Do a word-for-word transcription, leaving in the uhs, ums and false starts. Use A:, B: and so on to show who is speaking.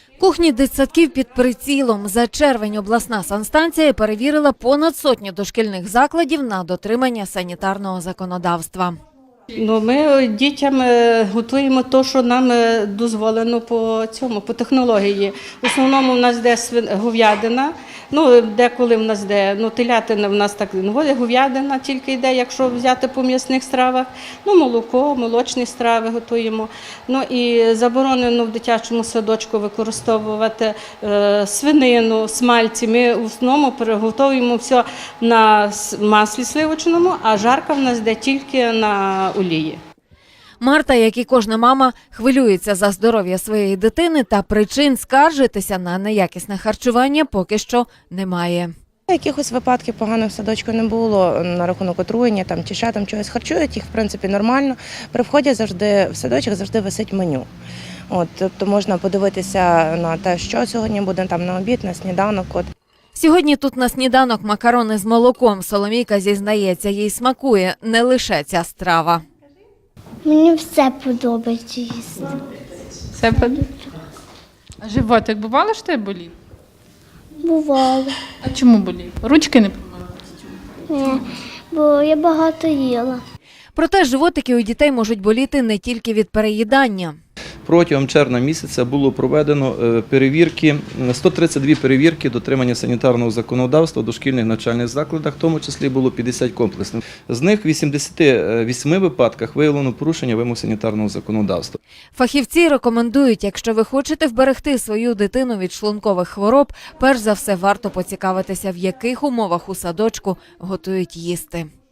A: Кухні дитсадків під прицілом. За червень обласна санстанція перевірила понад сотню дошкільних закладів на дотримання санітарного законодавства.
B: Ну, ми дітям готуємо те, що нам дозволено по цьому, по технології. В основному в нас йде говядина, ну, деколи в нас йде, ну, телятина в нас так не ходить, говядина тільки йде, якщо взяти по м'ясних стравах. Ну, молоко, молочні страви готуємо. Ну, і заборонено в дитячому садочку використовувати е, свинину, смальці. Ми в основному приготуємо все на маслі сливочному, а жарка в нас йде тільки на олії.
A: Марта, як і кожна мама, хвилюється за здоров'я своєї дитини, та причин скаржитися на неякісне харчування поки що немає.
C: Якихось випадків поганих в садочку не було на рахунок отруєння там, чи ще там чогось харчують, їх в принципі нормально. При вході завжди в садочок завжди висить меню. От, тобто можна подивитися на те, що сьогодні буде там на обід, на сніданок. От.
A: Сьогодні тут на сніданок макарони з молоком. Соломійка зізнається, їй смакує не лише ця страва.
D: Мені все подобається їсти.
E: Все подобається. А животик бувало, що тебе болів?
D: Бувало.
E: А чому болів? Ручки не помили?
D: Ні, бо я багато їла.
A: Проте животики у дітей можуть боліти не тільки від переїдання.
F: Протягом червня місяця було проведено перевірки, сто тридцять дві перевірки дотримання санітарного законодавства в дошкільних навчальних закладах, в тому числі було п'ятдесят комплексних. З них в вісімдесяти восьми випадках виявлено порушення вимог санітарного законодавства.
A: Фахівці рекомендують, якщо ви хочете вберегти свою дитину від шлункових хвороб, перш за все варто поцікавитися, в яких умовах у садочку готують їсти.